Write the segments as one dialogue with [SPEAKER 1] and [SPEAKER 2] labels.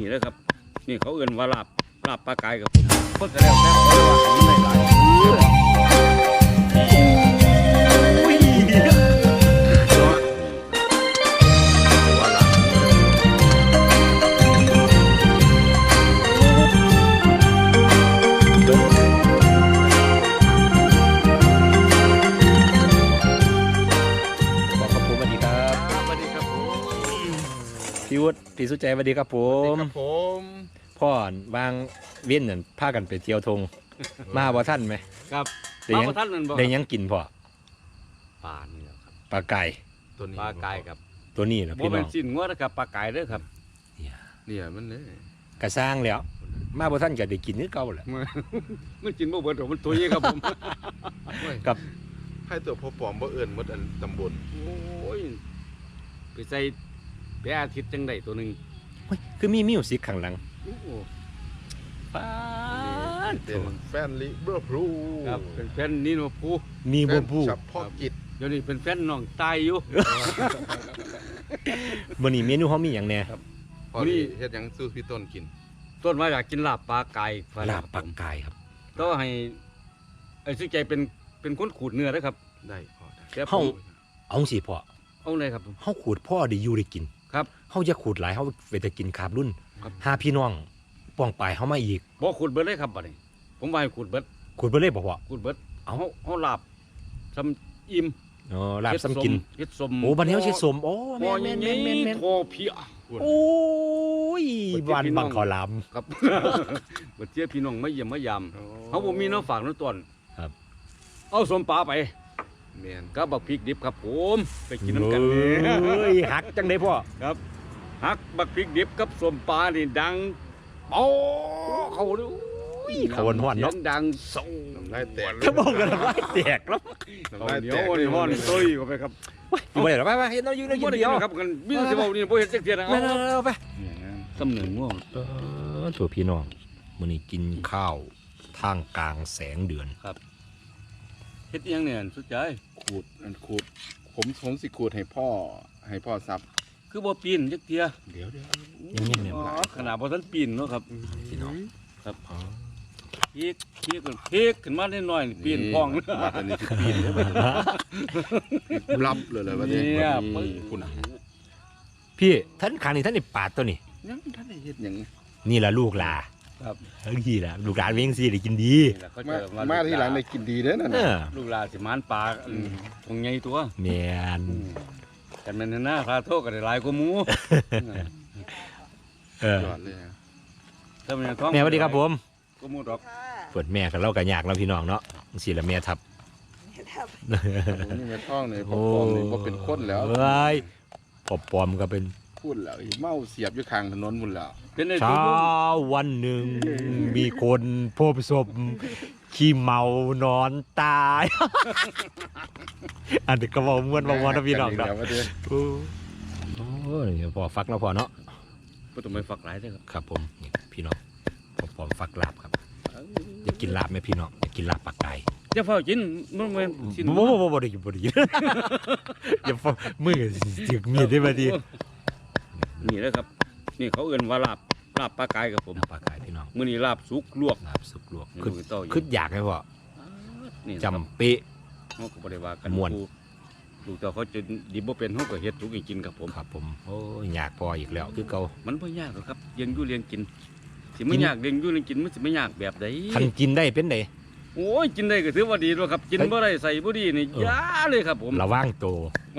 [SPEAKER 1] นี่เลยครับนี่เขาเอื่นว่าลาบปลากายกับผมเพิ่งจะแล้วแต่เขาว่าของในหลาย
[SPEAKER 2] พี่วุฒิพี่สุใจสวัสดีครับผม
[SPEAKER 3] ครับผม
[SPEAKER 2] พ่อวางเวียนนั่นพากันไปเที่ยวทงมาบ่ท่านไหม
[SPEAKER 1] ครับ
[SPEAKER 2] ได้ยัง
[SPEAKER 1] มาท่านนั่นบ่
[SPEAKER 2] ได้ยังกินพ่อ
[SPEAKER 1] ปลานี่แหละครับ
[SPEAKER 2] ปลาไก่
[SPEAKER 3] ตัวนี้
[SPEAKER 1] ปลากายครับ
[SPEAKER 2] ตัวนี้นะ
[SPEAKER 1] บ่
[SPEAKER 2] พี่น้
[SPEAKER 1] เป็
[SPEAKER 2] อน ง
[SPEAKER 1] ชิ้นงัวนะครับปลากายเด้อครับ
[SPEAKER 3] เนี่ยมันเลย
[SPEAKER 2] กระสร้างแล้ว มาบ่ท่านก็ได้กินนึกเก่าแหละ
[SPEAKER 1] มันกินบ่เบิดหรอกมันตัวใหญ่ครับผม
[SPEAKER 2] กับ
[SPEAKER 3] ให้ตัวพอปลอมบ่เอิ้นหมดอันตำบล
[SPEAKER 1] โอ้ยไปใส่แปะอาทิตย์จังไดตัวหนึง
[SPEAKER 2] เฮ้ยคือมีมิวสิกข้างหลัง
[SPEAKER 1] โอ้โห
[SPEAKER 2] ป้าด
[SPEAKER 3] เป็นแฟนลิเบอร์พูล
[SPEAKER 1] ครับเป็นแฟนนี่โนพู
[SPEAKER 2] มี
[SPEAKER 3] แฟ
[SPEAKER 2] บ่
[SPEAKER 3] น
[SPEAKER 2] บู
[SPEAKER 3] เฉพาะกิจ
[SPEAKER 1] เดี๋ยวนี้เป็นแฟนน้องตายอยู่
[SPEAKER 2] มื้อนี้เมนูเฮามีหยังแหน่
[SPEAKER 3] พอดีเฮ็ดหยังสู้พี่ต้นกิน
[SPEAKER 1] ต้นมาอยากกินลาบปลากาย
[SPEAKER 2] ลาบปลาไก่ครับ
[SPEAKER 1] ต้องให้ไอ้ซื้อใจเป็นคนขูดเนื้อนะครับ
[SPEAKER 3] ได้พอได้
[SPEAKER 1] แต่
[SPEAKER 2] เฮาเอาสิพ่อ
[SPEAKER 1] เอาเลยครับ
[SPEAKER 2] เฮาขูดพ่อได้อยู่ได้กิน
[SPEAKER 1] ครับ
[SPEAKER 2] เฮาจะขูดหลายเฮาไปแต่กินคาบรุ่น
[SPEAKER 1] ครับ
[SPEAKER 2] หาพี่น้องป้องปลายเฮามาอีก
[SPEAKER 1] บ่ขูดเบิดเลยครับบัดนี้ผมว่าให้ขูดเบิด
[SPEAKER 2] ขูดบ่เลยบ่พ่อ
[SPEAKER 1] ขูดเบิด
[SPEAKER 2] เอา
[SPEAKER 1] เอาลาบซ้ำอิ่ม
[SPEAKER 2] อ๋อลาบซ้ำกิน
[SPEAKER 1] เฮ็ดสม
[SPEAKER 2] โอ้บัดนี้เฮาสิสมโอ้แม่นๆๆๆ
[SPEAKER 1] โคเพีย
[SPEAKER 2] โอ้ยบ้านบังขอลาม
[SPEAKER 1] ครับ บัดเจียพี่น้องมาเยี่ยมมายามเขาบ่มีน้ำฝากน้ำต้น
[SPEAKER 2] ครับ
[SPEAKER 1] เอาสมปลาไป
[SPEAKER 3] แม่น
[SPEAKER 1] กับบักพริกดิบครับผมไปกินน้ำกัน
[SPEAKER 2] เอ้ยหักจังได้พ่อ
[SPEAKER 1] ครับฮักบักพริกดิบกับสมปลานี่ดังโอ้เขาเลย
[SPEAKER 2] เขาหวานๆเนาะ
[SPEAKER 1] สียงดังส่ง
[SPEAKER 3] น้ำลายแตก
[SPEAKER 2] ถ้าบอกกันว่าแตกแล้ว
[SPEAKER 3] น้ำ
[SPEAKER 1] เขา
[SPEAKER 3] ลาย
[SPEAKER 1] เหนี
[SPEAKER 3] แต
[SPEAKER 1] ยว
[SPEAKER 3] ก
[SPEAKER 1] อ่อนๆตุ้ยเข้าไปครับ
[SPEAKER 2] อยู่ไปเดี๋ยวไปเห็นเราอยู่ในกิ
[SPEAKER 1] บ่
[SPEAKER 2] น
[SPEAKER 1] ได้
[SPEAKER 2] เดี
[SPEAKER 1] กิ
[SPEAKER 2] ย
[SPEAKER 1] น
[SPEAKER 2] ว
[SPEAKER 1] นะครับกันมีแต่สิเว้านี่บ่เห็นจักเที่ยนะ
[SPEAKER 2] ไม่
[SPEAKER 1] เอา
[SPEAKER 2] ไป
[SPEAKER 1] สำเนึงง่วง
[SPEAKER 2] ตัวพี่น้องมื้อนี้กินข้าวท่ามกลางแสงเดือน
[SPEAKER 1] เฮ็ดอิหยังเนี่ยสุดใจ
[SPEAKER 3] ขูดผมสิขูดให้พ่อซับ
[SPEAKER 1] คือบ่ปีนจักเที่ย
[SPEAKER 3] เดี๋ยว
[SPEAKER 2] ยังเนี่ย
[SPEAKER 1] อ๋อขนาดบ่ทันปีนเนาะครับ
[SPEAKER 2] พี่น้อง
[SPEAKER 1] ครับพีกขึ้นมาได้หน่อยนี่ปีนพ้อง
[SPEAKER 3] มาตอนนี้สิปีนเด้อบัดนี้รับเลยบัดนี้
[SPEAKER 1] เนี่ย
[SPEAKER 3] คุณน่ะ
[SPEAKER 2] พี่ท่านขานี่ท่านนี่ปาดตัวนี่
[SPEAKER 3] ยังท่านได้เฮ็ดหยัง
[SPEAKER 2] นี่ล่ะลูกหลา
[SPEAKER 1] ครับ
[SPEAKER 2] เฮ้ยล่ะลูกหลานเวงสิได้กินดี
[SPEAKER 1] นี่แหละเขา
[SPEAKER 3] มา
[SPEAKER 1] จะ
[SPEAKER 3] มาที่หลังได้กินดีเด้อนั่น
[SPEAKER 2] เอ
[SPEAKER 3] น่ะ
[SPEAKER 2] อ
[SPEAKER 1] ลูกหลานสิมานปลาคงใหญ่ตัว
[SPEAKER 2] แม่น
[SPEAKER 1] กันแม่นหน้าคาโทษก็ได้หลายกว่าหมู
[SPEAKER 2] เออย
[SPEAKER 3] อดเลยอะ
[SPEAKER 1] ถ้ามันยังท้อง
[SPEAKER 2] แม่สวัสดีครับผม
[SPEAKER 1] ก็หมูดอก
[SPEAKER 2] เปิดแม่กับเราก็ยากเนาะพี่น้องเนาะสิละแม่ทับ
[SPEAKER 3] นี่แม่ท้องนี่พอปลอมนี่บ่เป็นคนแล้ว
[SPEAKER 2] เอ้ยปอบปลอมก็เป็น
[SPEAKER 3] พูดแล้วเมาเสียบอยู่ข้างถนนหมดแล้ว
[SPEAKER 1] เป็นไอ้
[SPEAKER 2] เช้า
[SPEAKER 1] ตัว
[SPEAKER 2] วันหนึ่ง มีคนพบศพขี้เมานอนตาย อันนี้ก็บอกม้วนบอกม้วนนะพี่น้องเนาะ
[SPEAKER 3] เดี๋ยวมาเด้อ
[SPEAKER 2] โอ้ยพอฟักแล้วพอเนาะ
[SPEAKER 1] บ่ต้องไปฝักหลายเด้อครับ
[SPEAKER 2] ครับผมนี่พี่น้องพอฟักลาบครับอยากกินลาบไหมพี่น้องอยากกินลาบปลาไก่
[SPEAKER 1] อย่าเฝ้ากินมันแม่นสิ
[SPEAKER 2] บ่ได้กินบ่ได้กิน อย่าฟ้ามือจึกมีดได้บ่ดี
[SPEAKER 1] นี่แหละครับ นี่เขาเอิ้นว่าลาบปลากายครับผม
[SPEAKER 2] ลาบปลาไก่พี่น้อง
[SPEAKER 1] มื้อนี้ลาบสุกลวก
[SPEAKER 2] ลาบสุกลวก
[SPEAKER 1] นี่
[SPEAKER 2] คือ
[SPEAKER 1] ลูกเต้าอยู่
[SPEAKER 2] คืออยากให้พ่อ
[SPEAKER 1] นี่
[SPEAKER 2] จำเป๊ะ
[SPEAKER 1] เฮาก็บ่ได้ว่ากัน
[SPEAKER 2] ม่วน
[SPEAKER 1] ลูกเต้าเขาจะดิบบ่เป็นเฮาก็เฮ็ดสุกให้กินครับผม
[SPEAKER 2] ครับผมโอ้ยอยากพออีกแล้วคือเก่า
[SPEAKER 1] มันบ่ยากหรอกครับเลี้ยงอยู่เลี้ยงกินสิไม่ยากเลี้ยงอยู่เลี้ยงกินมันสิไม่ยากแบบใด
[SPEAKER 2] คันกินได้เป็นได
[SPEAKER 1] โอ้ยกินได้ก็ถือว่าดีแล้วครับกินบ่ได้ใส่บ่ดีนี่ยาเลยครับผม
[SPEAKER 2] ระว่างโตว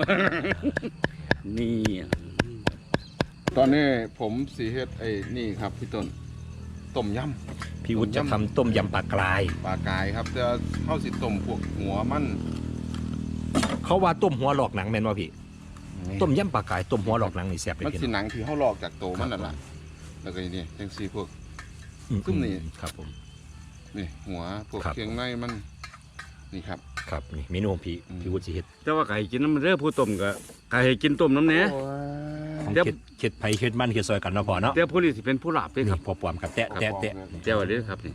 [SPEAKER 1] นี่
[SPEAKER 3] ตอนนี้ผมสีเฮ็ดไอ้นี่ครับพี่ต้นต้มย
[SPEAKER 2] พี่วุฒิจะทำต้มยำปลากราย
[SPEAKER 3] ำปลากายครับจะเข้าสิต้มพวกหัวมัน
[SPEAKER 2] เขาว่าต้มหัวหลอกหนังแม่นว่าพี่ ต้มยำปลากรายต้มหัวหลอกหนังนี่แซ่บเลย
[SPEAKER 3] มัน
[SPEAKER 2] พี่
[SPEAKER 3] สิ
[SPEAKER 2] น้อง
[SPEAKER 3] หนังที่เขาลอกจากโตมันนั่นแหละแล้วก็นี่จังซี่พวก ต้มนี่
[SPEAKER 2] ครับผม
[SPEAKER 3] นี่หัวพวก
[SPEAKER 2] ครับ
[SPEAKER 3] เครื่องในมันนี่ครับ
[SPEAKER 2] ครับนี่เมนูของพี่วุฒิสิเฮ็ด
[SPEAKER 1] แต่ว่าไก่กินน้ำมันเด้อผู้ต้มก็ไก่ให้กินต้มน้ำแหน่
[SPEAKER 2] ของ
[SPEAKER 1] เดี๋ยว
[SPEAKER 2] เฮ็ดไผเฮ็ดมันเฮ็ดซอยกันเนาะพ่อเนาะ
[SPEAKER 1] แต่ผู้นี้สิเป็นผู้ลาบเด้อค
[SPEAKER 2] นี่
[SPEAKER 1] รับ
[SPEAKER 2] พอปลอมครับแตะแตะแตะ
[SPEAKER 1] เจ้าว่าเด้อครับนี่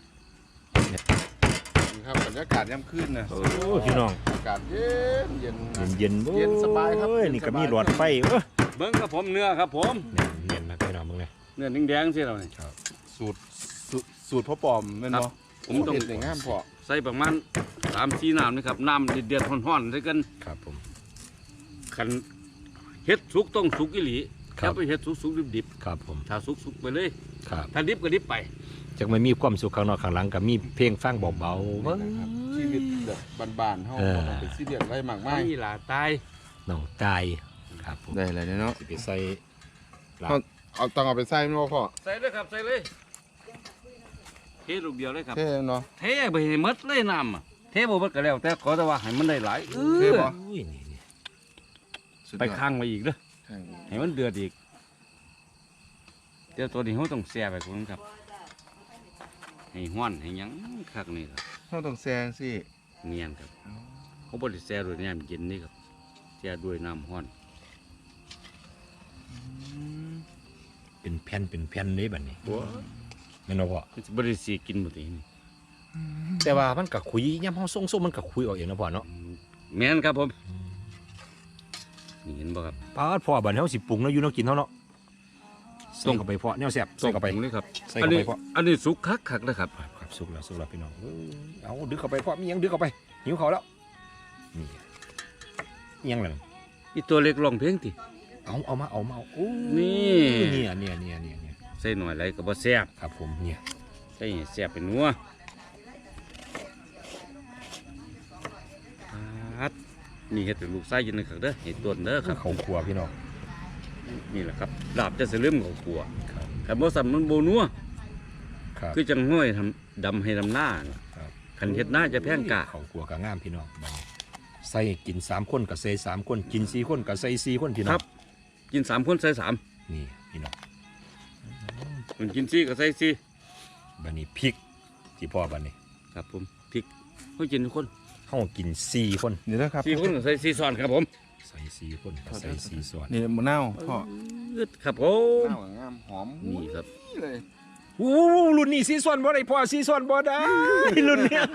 [SPEAKER 3] นี่ครับบรรยากาศย่ำคืนนะ
[SPEAKER 2] โอ้พี่น้อง
[SPEAKER 3] อากาศเย็นเย็น
[SPEAKER 2] เย็น
[SPEAKER 3] เย็นสบายครับ
[SPEAKER 2] โอ้
[SPEAKER 3] เย็น
[SPEAKER 2] นี่ก็
[SPEAKER 3] สบาย
[SPEAKER 2] มีหลอดไฟ
[SPEAKER 1] เบิ่งครับผมเนื้อครับผม
[SPEAKER 2] เนียนมากพี่น้องมึงเลย
[SPEAKER 1] นื้อแดงๆสิเราเนี่ย
[SPEAKER 3] สูตรพ่อปอมแม่นบ่
[SPEAKER 1] ผมต้อง
[SPEAKER 3] เฮ็ดได้งามพอ
[SPEAKER 1] ใส่ประมาณ3-4น้ำนะครับน้ำเดือดๆร้อนๆใส่กัน
[SPEAKER 2] ครับผม
[SPEAKER 1] คันเฮ็ดสุกต้องสุกอีหลี
[SPEAKER 2] ครับ
[SPEAKER 1] อย่าไปเฮ็ดสุกๆดิบ
[SPEAKER 2] ครับผม
[SPEAKER 1] ๆถ้าสุกๆไปเลย
[SPEAKER 2] ครับ
[SPEAKER 1] ถ้าดิบก็ดิบไป
[SPEAKER 2] จากไม่มีความสุขข้างนอกข้างหลังก็มีเพลงฟังเบาๆเว้ย
[SPEAKER 3] นะครับชีวิตแบบบ้านๆเฮา
[SPEAKER 2] เออ
[SPEAKER 3] บ่ต้องไปซีเรียสอะไรมากมาย
[SPEAKER 1] นี่ล่ะตาย
[SPEAKER 2] น้องตายครับผม
[SPEAKER 3] ได้เลยเนาะ
[SPEAKER 2] สิไปใส่ลาบ
[SPEAKER 3] เอาต้องเอาไปใส่แม่นบ่พ่อ
[SPEAKER 1] ใส่เลยครับใส่เลยเทลูกเดียวเลยครับ
[SPEAKER 3] เท่เนาะ
[SPEAKER 1] เทไปให้หมดเลยน้ำอะเทบ่หมดก็แล้วแต่ขอแต่ว่าให้มันได้หลาย
[SPEAKER 3] เท่บ่
[SPEAKER 2] อุ้ยนี่
[SPEAKER 3] สุดยอด
[SPEAKER 1] ไปข้างไว้อีกเด้อ
[SPEAKER 3] ข้าง
[SPEAKER 1] ให้มันเดือดอีกเดี๋ยวตัวนี้เขาต้องแช่ไปคุณครับให้ห้อนให้หยังคักนี่ครับ
[SPEAKER 3] เฮาต้องแซงสิ
[SPEAKER 1] เนียนครับเขาบ่ได้แช่ด้วยน้ำเย็นนี่ครับแช่ด้วยน้ำห้อน
[SPEAKER 2] เป็นแผ่นเลยบัดนี้แม่นบ่พ่อ
[SPEAKER 1] มันสิบ่ได้สิกินบ่ตินี่
[SPEAKER 2] แต่ว่ามันก็คุยยามเฮาส่งๆมันก็คุยออกเองนะพ่อเนาะ
[SPEAKER 1] แม่นครับผมนี่เห็นบ่ครับ
[SPEAKER 2] ปาดพ่อบัดนี้เฮาสิปรุงเนาะอยู่เนาะกินเฮาเนาะใส่เข้าไปพ่อแนวแซ่บใส่เข้าไป
[SPEAKER 1] ตรงเลยครับ
[SPEAKER 2] ใส่เข้าไปพ่อ
[SPEAKER 1] อันนี้สุกคักๆนะครับ
[SPEAKER 2] ครับสุกแล้วพี่น้องเอาดึกเข้าไปพ่อมีหยังดึกเข้าไปหิวเขาวแล้วนี่อิหยังล่ะ
[SPEAKER 1] อีตัวเล็กร้องเพลงติ
[SPEAKER 2] เอามาโอ้
[SPEAKER 1] นี่
[SPEAKER 2] เนี่ย
[SPEAKER 1] ใส่หน่อยไรก็บ่แซ่บ
[SPEAKER 2] ครับผมเนี่ย
[SPEAKER 1] ใส่ให้แซ่บเป็นนัวครับนี่เฮ็ดให้ลูกไส้ยินนะครับเด้อเฮ็ดต้นเด้อครับ
[SPEAKER 2] เขาครัวพี่น้อง
[SPEAKER 1] นี่แหละครับลาบจะสลืมเขาขัว
[SPEAKER 2] ครับ
[SPEAKER 1] คันบ่ซ้ำมันบ่นัว
[SPEAKER 2] ครับ
[SPEAKER 1] คือจังห้อยทำดำให้ดำหน้าน่ะ
[SPEAKER 2] ครับ
[SPEAKER 1] คันเฮ็ดหน้าจะแพงกะ
[SPEAKER 2] เขาครัวก็งามพี่น้องบัดนี้ใส่กิน3คนก็ใส่3คนกิน4คนก็ใส่4คนพี่น้
[SPEAKER 1] ค
[SPEAKER 2] อ
[SPEAKER 1] รั
[SPEAKER 2] ง
[SPEAKER 1] บ กิน3คนใส่3
[SPEAKER 2] นี่พี่น้อง
[SPEAKER 1] คนกิน4ก็ใส่4
[SPEAKER 2] บัดนี้พริกที่พ่อบัดนี้
[SPEAKER 1] ครับผมพริกเฮากินทุกคน
[SPEAKER 2] เฮากิน4คน
[SPEAKER 3] นี่นะครับ
[SPEAKER 1] 4คนก็ใส่4ช้อนครับผม
[SPEAKER 2] ใส่4คนก็ใส่4ส่วน
[SPEAKER 3] นี่มะนาวพ่อ
[SPEAKER 1] ครับผม
[SPEAKER 3] มะนาวงามหอม
[SPEAKER 1] นี่ครับ
[SPEAKER 3] เลย
[SPEAKER 2] อู้รุ่นนี้4ส่วนบ่ได้พ่อ4ส่วนบ่ได้ รุ่นเนี้ย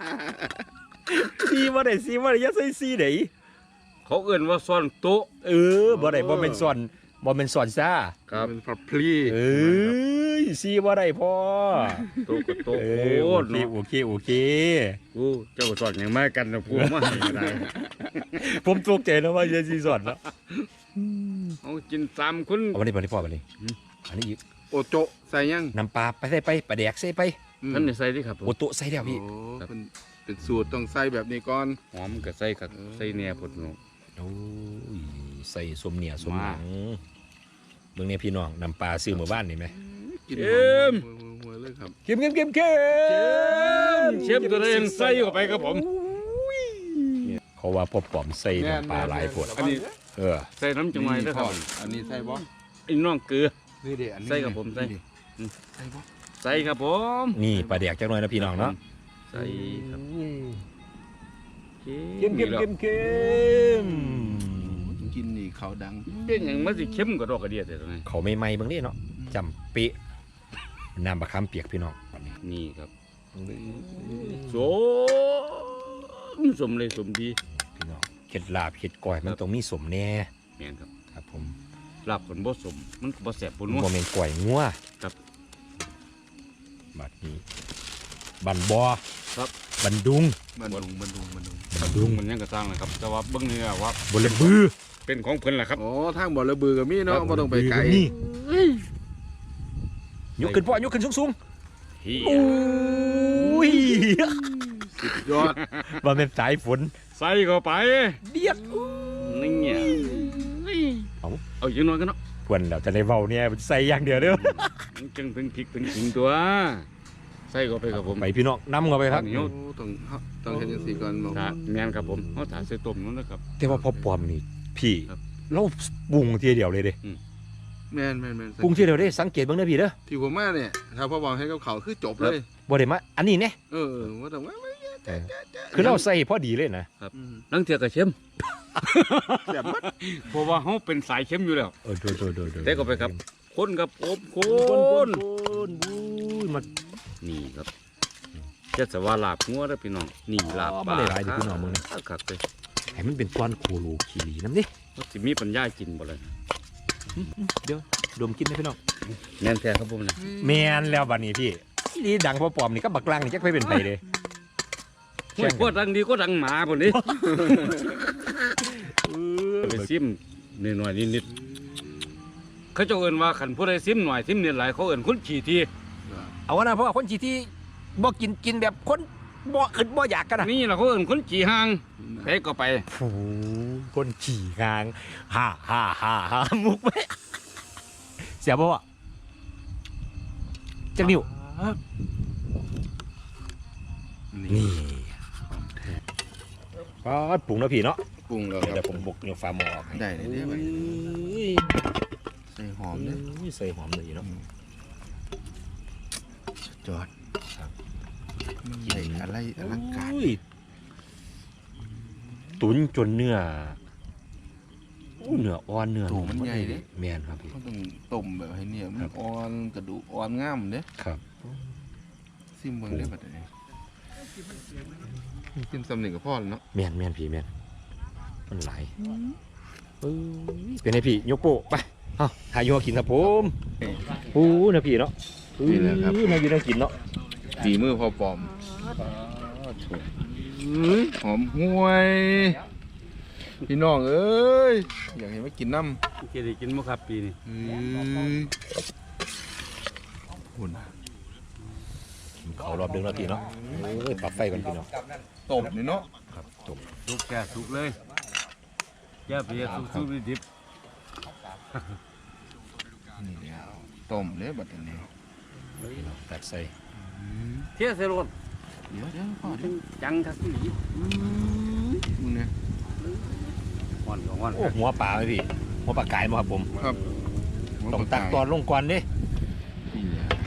[SPEAKER 2] 4บ่ได้อย่าใส่4ได้
[SPEAKER 1] เขาเอื้อนว่าซ้อนโต๊ะ
[SPEAKER 2] บ่ได้บ่เป็นส่วนซ่า
[SPEAKER 1] ครับ
[SPEAKER 3] เป็นผัดพลี
[SPEAKER 2] ซีบ่ได้พ่อ
[SPEAKER 1] โต๊ะกับโต๊ะ
[SPEAKER 2] เอ
[SPEAKER 1] โอ้
[SPEAKER 2] อ
[SPEAKER 1] เนาะ
[SPEAKER 2] โอเค
[SPEAKER 1] โอ้เจ้าก็ซ้อนอย่างมากันนะพวกมาให้ก็ได้
[SPEAKER 2] ผมตกใจแล้วว่าจะซีสอนแล้ว
[SPEAKER 1] เอากิน3คน
[SPEAKER 2] เอาวันนี้พ่อวันนี้อันนี้อีก
[SPEAKER 3] โอโจะใส่ยัง
[SPEAKER 2] น้ำปลาไปใส่ไปปลาแดกใส่ไป
[SPEAKER 1] ท่านนี่ใส่ดิครับผม
[SPEAKER 2] โอโตะใส่แล้วพี่
[SPEAKER 3] โอ้เป็นสูตรต้องใส่แบบนี้ก่อน
[SPEAKER 1] หอมก็ใส่ครับใส่แหน่พดเนาะ
[SPEAKER 2] โอ้ยใส่สมเหนียสมหนังเบิ่งเนี่ยพี่น้องน้ำปลาซื้อหมู่บ้านนี่ไหม
[SPEAKER 3] กินหัวเลยครับ
[SPEAKER 2] เค็ม
[SPEAKER 1] เชฟตัวเองใส่เข้าไปครับผม
[SPEAKER 2] เขาว่าพ่อปอมใส่น้ำปลาหลายผด
[SPEAKER 1] อันนี้
[SPEAKER 2] เ
[SPEAKER 1] ใส่น้ำจังไว้ด้วยครับ
[SPEAKER 3] อันนี้ใส่บ่
[SPEAKER 1] ไอ้น้องเกลือ
[SPEAKER 3] นี่เด็อันนี้
[SPEAKER 1] ใส่กับผมใส่
[SPEAKER 3] ใส่บ่
[SPEAKER 1] ใส่ครับผม
[SPEAKER 2] นี่ปลาแดกจักหน่อยนะพี่น้องเนาะ
[SPEAKER 1] ใส่ครับ
[SPEAKER 2] เค็ม
[SPEAKER 3] กินนี่เขาดัง
[SPEAKER 1] เป็นอย่างมันสิเข้มกว่าดอกกระเดียดแต่ตรงนี้
[SPEAKER 2] เขาไม่ไหม้เบางนี่เนาะจำเป๊ะน้ำบะคำเปียกพี่น้องวันนี้
[SPEAKER 1] นี่ครับสมเลยสมดี
[SPEAKER 2] พี่น้องเห็ดลาบเห็ดก้อยมันต้องมีสมแน่
[SPEAKER 1] แม่นครับ
[SPEAKER 2] ครับผม
[SPEAKER 1] ลาบคนบ่สมมันก็บ่แสบปนนัว
[SPEAKER 2] โมเมนก้อยงัว
[SPEAKER 1] ครับ
[SPEAKER 2] บัดนี้บันบอ
[SPEAKER 1] ครับ
[SPEAKER 2] บันดุง
[SPEAKER 3] มันดุง
[SPEAKER 2] บัน
[SPEAKER 1] ลุ
[SPEAKER 2] ดุง
[SPEAKER 1] งมันยังกระซังนะครับแต่ว่าเบิ่งนี่ว่า
[SPEAKER 2] บนระบือ
[SPEAKER 1] เป็นของเพิ่นแหละครับ
[SPEAKER 3] โอ้ทางบ่อระบือกับมีเนาะบ่ต้องไปไกล
[SPEAKER 2] นี่ยกขึ้นพ่อยกขึ้นสูง
[SPEAKER 1] เฮี
[SPEAKER 2] ๆ
[SPEAKER 1] ย
[SPEAKER 2] โอ้ย
[SPEAKER 3] สุดยอด
[SPEAKER 2] ว่าเป็นสายฝน
[SPEAKER 1] ใส่เข้าไป
[SPEAKER 2] เดียด
[SPEAKER 1] นี่เงี้ย
[SPEAKER 2] เอา
[SPEAKER 1] เอาอย่างน้อยกันเนาะ
[SPEAKER 2] เพื่อนเราจะได้เว้าเนี่ยใส่อย่างเดียวเด้อ
[SPEAKER 1] มันจึงถึงพริกถึงขิงตัวใส่เข้าไปครับผม
[SPEAKER 2] ไปพี่น้องนำเข้าไปครับ
[SPEAKER 1] เหนียว
[SPEAKER 3] โอ้ต้องเฮ็ดจังซี่ก่อนบ่
[SPEAKER 1] ถ้าแม่นครับผมเขาถาใส่ต้มนู้นนะครับ
[SPEAKER 2] แต่ว่าพอปลอมนี่พี่
[SPEAKER 1] ครับ
[SPEAKER 2] เราปรุงทีเดียวเลยเด้
[SPEAKER 3] แม่น
[SPEAKER 2] ปรุงทีเดียวเด้สังเกตเบิ่งเด้อพี่เด้อ
[SPEAKER 3] ที่ผมมาเนี่ยถ้าพ่อบอกให้กับเขาคือจบเลย
[SPEAKER 2] บ่ได้มาอันนี้เนี่ย
[SPEAKER 3] ว่าแต่ว่า
[SPEAKER 2] คือเราใส่พอดีเลยนะ
[SPEAKER 1] นั่งเทียกับเข้ม
[SPEAKER 3] แซ่บมาก
[SPEAKER 1] เพราะว่าเขาเป็นสายเข้มอยู่แล้ว
[SPEAKER 2] โด
[SPEAKER 1] เตะเข้าไปครับ คนกับผมค
[SPEAKER 2] คน
[SPEAKER 1] น
[SPEAKER 2] บูยมา
[SPEAKER 1] นี่ครับจะสว่าลาบงัวแล้วพี่น้องนี่ลาบปลา
[SPEAKER 2] บ่ได้หลายเด้อพี่น้องมึงนะ
[SPEAKER 1] ครับเลย
[SPEAKER 2] ให้มันเป็นก้อนโคโลคีรีน้ำนี่
[SPEAKER 1] ว่าสิมีปัญญากินบ่เลย
[SPEAKER 2] เดี๋ยวดมกินได้พี่น้อง
[SPEAKER 1] แม่นแท้ครับผมนะ
[SPEAKER 2] แมนแล้วบัดนี้พี่นี่ดังพอปลอมนี่ก็บักลังนี่จักไปเป็นไปเลย
[SPEAKER 1] โอ้ยโคตรดังดีโคตรดังหมาพุ่นนี่ไปซิมนิดหน่อยนิดๆเขาเจ้าเอิ้นว่าคันผู้ใดซิมหน่อยซิมนิดหลายเขาเอิ้นคนขี้ที
[SPEAKER 2] เอาวะนะเพราะว่าคนที่บ่กินแบบคนบ่อึดบ่อยากกันนะ
[SPEAKER 1] นี่ล่ะเขาเอิ้นคนขี้ห่างไปก็ไป
[SPEAKER 2] โอ้คนขี่งางฮ่ามุกไหมเสียบ่วะจักนิ้วนี่ปอดปรุงแล้วพี่เนาะ
[SPEAKER 3] ปรุงแล้วค
[SPEAKER 2] เดี๋
[SPEAKER 3] รั
[SPEAKER 2] ย
[SPEAKER 3] บ
[SPEAKER 2] วผมบุกเนี่ยฟ้าหม้อออกให้
[SPEAKER 3] ได้เลยเนี่ยบัดนี้
[SPEAKER 2] อุ้ย
[SPEAKER 3] ใส่หอมเนี่ย
[SPEAKER 2] ใส่หอมเลยเนาะ
[SPEAKER 3] จอดมันใหญ่อะไรอลังการ
[SPEAKER 2] อุ้ยตุ๋นจนเนื้ออู้เนื้ออ่อนเนื้อ
[SPEAKER 3] ถูมันใหญ่เด้
[SPEAKER 2] แม่นครับพี่
[SPEAKER 3] เขาต้องต้มแบบให้เนี่ยมัน
[SPEAKER 2] ครับ
[SPEAKER 3] อ่อนกระดูกอ่อนงามเด้
[SPEAKER 2] ครับ
[SPEAKER 3] ซิมเบิ่งได้บัดนี้ซิมสำเนียงกับพ่อแล้วเนาะ
[SPEAKER 2] แม่นพี่แม่นมันหลายเอ้ยเป็นไงพี่ยกโปะไปเอาหาอยู่หากินครับผมโอ้นะพี่เนาะนี่แหละครับมาอยู่นั่งกินเนาะ
[SPEAKER 3] ฝีมือพอปลอมหอมห่วย พี่น้องเอ้ยอยากเห็นมากินน้ำ
[SPEAKER 1] จะได้กินบ่ครับปีนี้
[SPEAKER 3] หุ่น
[SPEAKER 2] เขารอบดึงแล้วพี่เนาะเอ้ยปรับไฟก่อนพี่เนาะ
[SPEAKER 3] ต้มนี่เนาะ
[SPEAKER 2] ครับจบ
[SPEAKER 1] สุกแก่สุกเลยอย่าไปสุกดิบ
[SPEAKER 3] นี่เดียวต้มเลยบัดนี้
[SPEAKER 2] พี่เนาะตัดใส่
[SPEAKER 1] เที่ยใส่รถ
[SPEAKER 3] เดี๋ยวพ่อเดี๋ยว
[SPEAKER 1] จังทักอี
[SPEAKER 3] มึงเนี่ย
[SPEAKER 1] อ่อนของอ่อน
[SPEAKER 2] โอ้หัวปลาไหมพี่หัวปลาไก่มาครับผม
[SPEAKER 3] ครับ
[SPEAKER 2] ต้องตักตอนลงก่อนเด้
[SPEAKER 3] นี่แหละ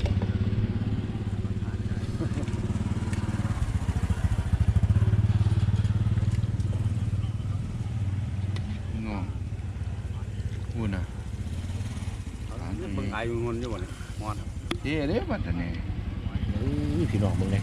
[SPEAKER 3] พี่น้องหุ่นอ่ะ
[SPEAKER 1] เบิ่งอายงนอยู่บ่เนี่ยอ่อน
[SPEAKER 3] เจ๊เด้บัดนี้
[SPEAKER 2] เอ้ยพี่น้องมึงเลย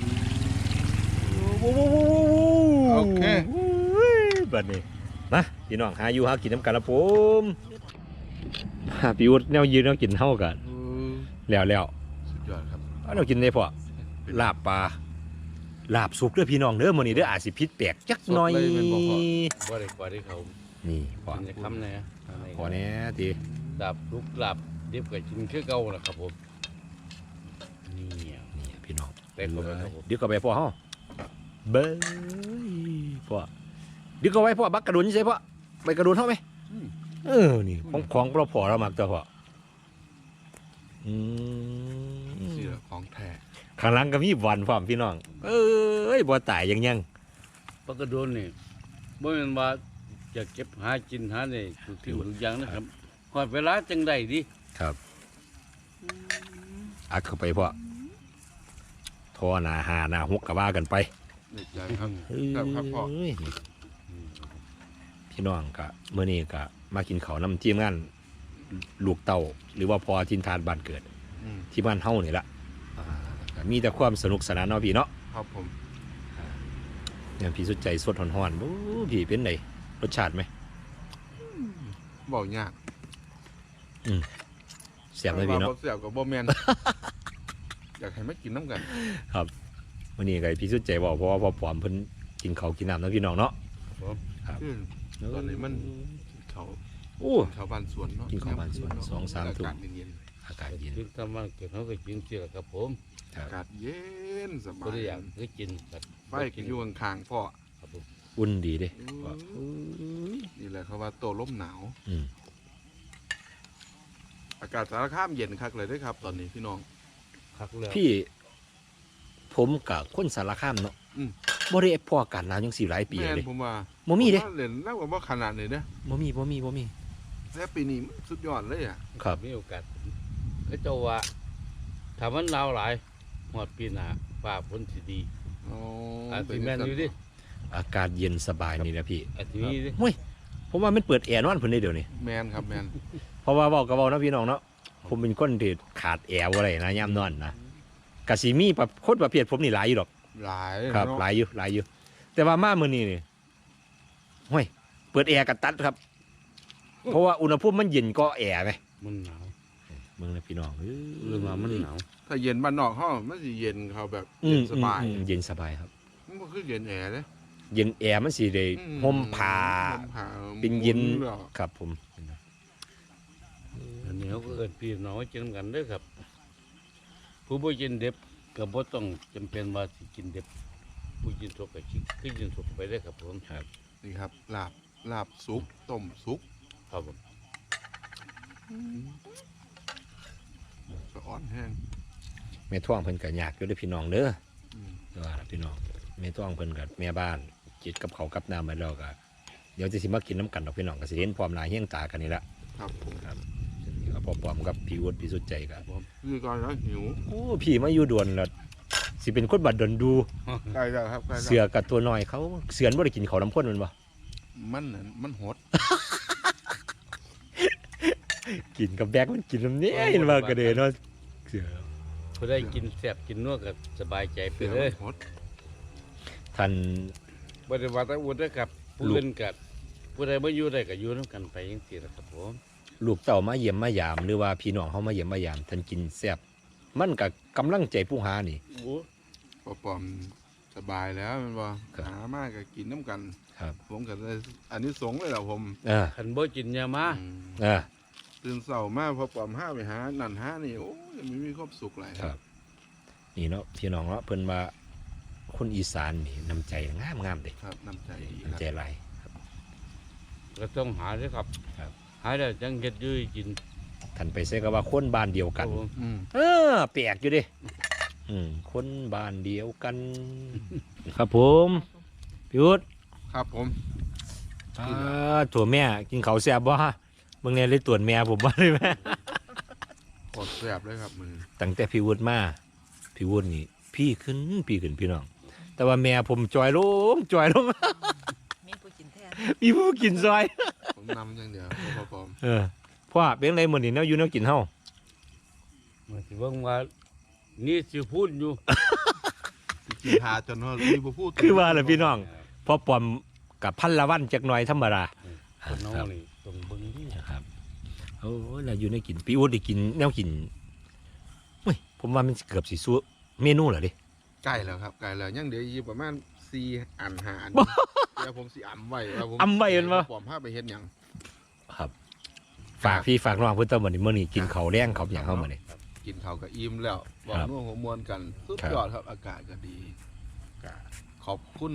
[SPEAKER 3] โอเค
[SPEAKER 2] บัดนี้นะพี่น้องหาอยู่หากินน้ำกันละผมหาพี่วุฒิแนวยืนแนวกินเท่ากันแล้ว
[SPEAKER 3] สุดยอดครับ
[SPEAKER 2] เอาแนวกินได้พอลาบปลาลาบสุกเด้อพี่น้องเด้อมื้อนี้เด้ออาจสิพิษแปลกจักหน่อย
[SPEAKER 3] สดเลยแม่นบ่พ่อ
[SPEAKER 1] บ่ได้กว่าที่เขา
[SPEAKER 2] นี่พอ
[SPEAKER 1] กินจะคำเลย
[SPEAKER 2] พอแน่ที
[SPEAKER 1] ลาบลุกลาบดิบก็กินคือเก่าล่ะครับผมนี่
[SPEAKER 2] นี่พี่น้อง
[SPEAKER 1] เต็มเลยครับผม
[SPEAKER 2] เดี๋ยวก็ไปพ่อเฮาเบ้ยพ่อเดี๋ยวก็ไว้พ่อบักกระดุนใช่พ่อไปกระดุนเฮาไหมนี่ของเราพอเรามักตัวพ่อ
[SPEAKER 3] นี่แหละของแท้
[SPEAKER 2] ข้างหลังก็มีบอลพร้อมพี่น้อง เอ้ยบ่ตายยัง
[SPEAKER 1] ปกระโดนนี่บ่แม่นว่าจะเก็บหากินหาได้ทุกที่ทุกอย่างนะครับฮอดเวลาจังได้ดิ
[SPEAKER 2] ครับอัดเข้าไปพ่อทอหนาหาหนาหกกะว่ากันไป
[SPEAKER 3] นี่ใจครับ
[SPEAKER 2] เอ้ย
[SPEAKER 3] ครับพ่อ
[SPEAKER 2] พี่น้องก็เมื่อนี้ก็มากินข้าวน้ำทีมงานลูกเต้าหรือว่าพอทินทานบ้านเกิด
[SPEAKER 3] อืม
[SPEAKER 2] ที่บ้านเฮานี่ละก็มีแต่ความสนุกสนานเนาะพี่เนาะ
[SPEAKER 3] ครับผม
[SPEAKER 2] เนี่ยพี่สุดใจสดห่อนๆโอ้พี่เป็นไงรสชาติไหม
[SPEAKER 3] บอกยาก
[SPEAKER 2] เสียบเลยพี่เนาะ
[SPEAKER 3] บ่เสียบกับบ่แมน อยากให้มากินน้ำกัน
[SPEAKER 2] วันนี้ก็ให้พี่สุดใจบอกเพราะว่าพอผอมเพิ่นกินข้าวกินน้ำเนาะพี่น้องเนาะ
[SPEAKER 3] คือตอนนี้มันเขา
[SPEAKER 2] โอ้
[SPEAKER 3] ชาวบ้านสวนเนาะ
[SPEAKER 2] กินของบ้านสวน
[SPEAKER 3] เะ
[SPEAKER 2] 2-3 ทุ่ม
[SPEAKER 3] อากาศเย็น
[SPEAKER 2] อากาศเย็น
[SPEAKER 1] กินทำมันเกิดเขาก็กินเสียครับผม
[SPEAKER 3] ๆอากาศเย็นสบา
[SPEAKER 1] บ่ได้
[SPEAKER 3] ย
[SPEAKER 1] อยากคือกินแบบ
[SPEAKER 3] ไฟกินอยู่ข้างๆพ่อ
[SPEAKER 1] ครับผม
[SPEAKER 2] อุ่นดีเด้
[SPEAKER 3] นี่แหละเขาว่าโตลมหนาว
[SPEAKER 2] อืม
[SPEAKER 3] อากาศสารคามเย็นคักเลยเด้วยครับ ตอนนี้พี่น้อง
[SPEAKER 1] คักแล้ว
[SPEAKER 2] พี่ผมกับคนสารคามเนาะ
[SPEAKER 3] อืม
[SPEAKER 2] บ่ได้พอกันแล้วยัง4หลายปี
[SPEAKER 3] แม่น
[SPEAKER 2] เลย
[SPEAKER 3] ผมว่า
[SPEAKER 2] บ่มีเด้
[SPEAKER 3] ผว่าเล่นแล้วว่าขนาดนี้เด้
[SPEAKER 2] บ่มี
[SPEAKER 3] แต่ปีนี้มันสุดยอดเลยอ่ะ
[SPEAKER 2] ครับ
[SPEAKER 1] มีโอกาสก็เจ้าว่าถ้ามันหนาวหลายหอดปีหน้าฟ้าฝนสิดี
[SPEAKER 3] อ๋อ
[SPEAKER 1] อาจสิแม่นอยู่ดิ
[SPEAKER 2] อากาศเย็นสบายนี่นะพี่
[SPEAKER 1] อาจสิมีดิ
[SPEAKER 2] เฮ้ยผมว่ามันเปิดแอร์นอนเพิ่นได้เดี๋ยวนี้
[SPEAKER 3] แมนครับแมน
[SPEAKER 2] เพราะว่าเว้าก็เว้านะพี่น้องเนาะผมเป็นคนที่ขาดแอร์บ่ได้นะยามนอนนะก็สิมีคนประเภทผมนี่หลายอยู่ดอก
[SPEAKER 3] หลาย
[SPEAKER 2] ครับ
[SPEAKER 3] เนาะ
[SPEAKER 2] หลายอยู่ แต่ว่ามามื้อนี้นี่ห้ยเปิดแอร์ก็ตัดครับ เพราะว่าอุณหภูมิมันเย็นก็แอร์ไหม
[SPEAKER 1] มันหนาว
[SPEAKER 2] เมืองนะพี่น้อง
[SPEAKER 1] เรื่องว่ามันหนาว
[SPEAKER 3] ถ้าเย็นบ้านนอกห้องมันสิเย็นเขาแบบเย็นสบาย
[SPEAKER 2] เย็นสบายครับ
[SPEAKER 3] มันก็คือเย็นแอร์เลย
[SPEAKER 2] เย็นแอร์มันสิได้ห่มผ้า
[SPEAKER 3] ห่มผ้า
[SPEAKER 2] เป็นเย็น
[SPEAKER 3] หมุหรอ
[SPEAKER 2] ครับผม
[SPEAKER 1] อันนี้เขาก็เอิ้นพี่น้องกินกันเด้อครับ ผู้บ่กินเด็บก็บ่ต้องจำเป็นว่าสิกินเด็บผู้กินสุกก็คือกินสุกไปได้อครับผม
[SPEAKER 2] ครับ
[SPEAKER 3] นี่ครับลาบสุกต้มสุก
[SPEAKER 1] ครับผม
[SPEAKER 3] สะอ้อนแห้ง
[SPEAKER 2] แม่ท่วงเพิ่นก็ยากอยู่เด้อพี่น้องเด้อ
[SPEAKER 3] อืม
[SPEAKER 2] ว่าล่ะพี่น้องแม่ท่วงเพิ่นก็แม่บ้านจิตกับเขาวกับน้ำไปแล้วก็เดี๋ยวจะสิมากินน้ำกันดอกพี่น้องก็สิเห็นพร้อมหน้าเฮี้ยงตากันนี่ละ
[SPEAKER 3] ครับผม
[SPEAKER 2] ครับนี่ก็พอปอมกับพี่วุฒิพี่สุดใจกัน
[SPEAKER 3] คือก่อนแล้วหิว
[SPEAKER 2] โอ้พี่มาอยู่ด่วนแล้วสิเป็นคนบัดดนดู
[SPEAKER 3] ใกล้แล้วครับใกล้แล้ว
[SPEAKER 2] เสือกับตัวน้อยเขาเสือนบ่ได้กินเขาวน้ำข้นมันบ่
[SPEAKER 3] มันนั่นมันหด
[SPEAKER 2] กินกับแบกมันกินน้ำเนี้ยเห็นว่ากระเดเนาะเสือ
[SPEAKER 1] ผู้ได้กินแซ่บกินนัวก็สบายใจไป
[SPEAKER 3] เสือ
[SPEAKER 1] เล
[SPEAKER 3] มั
[SPEAKER 1] ย
[SPEAKER 3] นหด
[SPEAKER 2] ท่าน
[SPEAKER 1] บ่ได้ว่าแต่อุ่นนะครับผู้อื่นก็ผู้ใดบ่อยู่ได้ก็อยู่นํกันไปจังซี่ล่ะครับผม
[SPEAKER 2] ลูกเต่ามาเยี่ยมมายามหรือว่าพี่น้องเขามาเยี่ยมมายามท่านกินแซ่บมันกับกำลังใจผู้หานี่
[SPEAKER 1] โอ้
[SPEAKER 3] พอปอมสบายแล้วมันบ่
[SPEAKER 2] ครับ
[SPEAKER 3] หามากก็กินน้ำกัน
[SPEAKER 2] ครับ
[SPEAKER 3] ผมก็เลยอันนี้สงส์เลยเหรอผม
[SPEAKER 1] คันบ่กินยามา
[SPEAKER 3] อืม
[SPEAKER 2] เออ
[SPEAKER 3] ตื่นเช้ามาพอปอมห้าไปหานั่นหานี่โอ้ยมันมีความสุขหลาย
[SPEAKER 2] ครับ นี่เนาะพี่น้องเนาะเพิ่นว่าคนอีสานนี่น้ำใจงามงามๆเด้
[SPEAKER 3] ครับน้ำใจดีค
[SPEAKER 2] น้ำ
[SPEAKER 3] รับ
[SPEAKER 2] ใจหลาย
[SPEAKER 1] ก็ต้องหาเด้อครับ
[SPEAKER 2] ครับ
[SPEAKER 1] หาแล้วจังเฮ็ดอยู่ให้กิน
[SPEAKER 2] ท่านไปใส่ก็ว่าคนบ้านเดียวกัน
[SPEAKER 1] ครับผม
[SPEAKER 3] อืม
[SPEAKER 2] เออแปลกอยู่เดิคนบ้านเดียวกัน ครับผมพี่วุฒิ
[SPEAKER 3] ครับผม
[SPEAKER 2] ถั่วแม่กินเขาวแซ่บบ่ฮะเบิ่งเนี่ยเลยตรวจแม่ผมบ่ได้แม่
[SPEAKER 3] กดแซ่บเลยครับมือ
[SPEAKER 2] ตั้งแต่พี่วุฒิมาพี่วุฒินี่พี่ขึ้นพี่น้อง แต่ว่าแม่ผมจอยลง
[SPEAKER 4] มีผู้กินแท้
[SPEAKER 2] มีผู้กินซอย
[SPEAKER 3] ผมนำอย่างเดียวพอปอม
[SPEAKER 2] เออพ่อเป็นไรมื้อนี้แนวอยู่แนวกินเฮา
[SPEAKER 1] มันสิเบิ่งว่านี่สิพูดอยู่
[SPEAKER 3] กินหาจนว่ารีบพูด
[SPEAKER 2] คือว่าล่ะพี่น้องพอปอมกับพันละวันจักหน่อยธรรมดา
[SPEAKER 1] คนน้อ
[SPEAKER 2] ครั
[SPEAKER 1] ง
[SPEAKER 2] บ
[SPEAKER 1] นี่ต้องเบิ่งดี
[SPEAKER 2] นะครับโอ้ยแล้วอยู่ในกินพี่วุฒิได้กินแนวกินเฮ้ยผมว่ามันเกือบสิสู้เมนูเหรอดิ
[SPEAKER 3] ใกล้แล้วครับใกล้แล้วยังเดี๋ยวอีกประมาณ4 อัน5 อันเดี๋ยวผมสิอ่ำไว้ว่าผม
[SPEAKER 2] อำไว้เห็นบ่
[SPEAKER 3] ปอมพาไปเฮ็ดหยัง
[SPEAKER 2] ครับ ฝากพี่ฝากน้องเพิ่นตะมื้อนี้มื้อนี้กินข้าวแรงข้าวหยังเฮามื้อนี้
[SPEAKER 3] กินข้าวกับอิ่มแล้วบอก
[SPEAKER 2] ครับ
[SPEAKER 3] นัวหัวมวนกันสุด
[SPEAKER 2] ครับ
[SPEAKER 3] ยอดครับอากาศก็ดีก็ขอบคุณ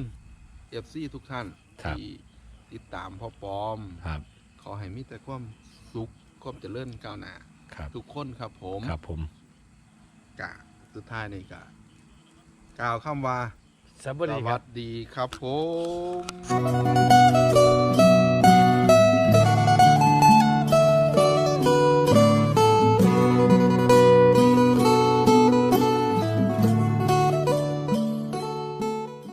[SPEAKER 3] FC ทุกท่าน
[SPEAKER 2] ครับ
[SPEAKER 3] ที่ติดตามพ่อปอม
[SPEAKER 2] ครับ
[SPEAKER 3] ขอให้มีแต่ความสุขความเจริญก้าวหน้า
[SPEAKER 2] ครับ
[SPEAKER 3] ทุกคนครับผม
[SPEAKER 2] ครับผม
[SPEAKER 3] กะสุดท้ายนี่กะกล่าวคำว่า
[SPEAKER 1] สวัส
[SPEAKER 3] ส
[SPEAKER 1] ดีค
[SPEAKER 3] วั
[SPEAKER 1] รับ
[SPEAKER 3] สดีครับผม